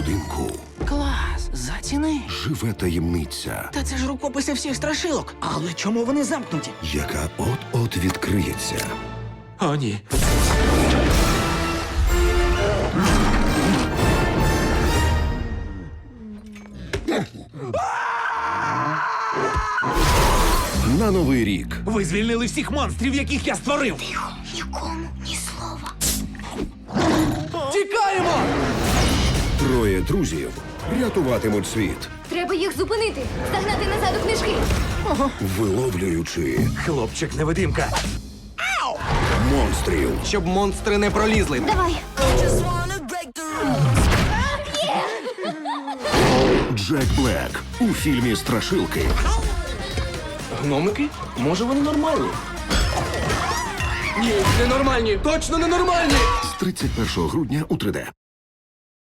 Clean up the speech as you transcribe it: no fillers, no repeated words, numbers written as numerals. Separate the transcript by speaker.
Speaker 1: будинку
Speaker 2: Клас, заціни.
Speaker 1: живе таємниця,
Speaker 2: Та це ж рукописи всіх страшилок. Але чому вони замкнуті?
Speaker 1: яка от-от відкриється.
Speaker 3: О, ні.
Speaker 1: На Новий рік
Speaker 3: Ви звільнили всіх монстрів, яких я створив.
Speaker 4: Нікому ні слова.
Speaker 3: Тікаємо!
Speaker 1: троє друзів рятуватимуть світ,
Speaker 4: Треба їх зупинити. Загнати назад у книжки.
Speaker 1: виловлюючи
Speaker 3: Хлопчик-невидимка.
Speaker 1: монстрів.
Speaker 5: Щоб монстри не пролізли.
Speaker 4: Давай.
Speaker 1: Джек Блек у фільмі «Страшилки»
Speaker 5: Гномики? Може вони нормальні? Ні, ненормальні. Точно ненормальні!
Speaker 1: з 31 грудня у 3D.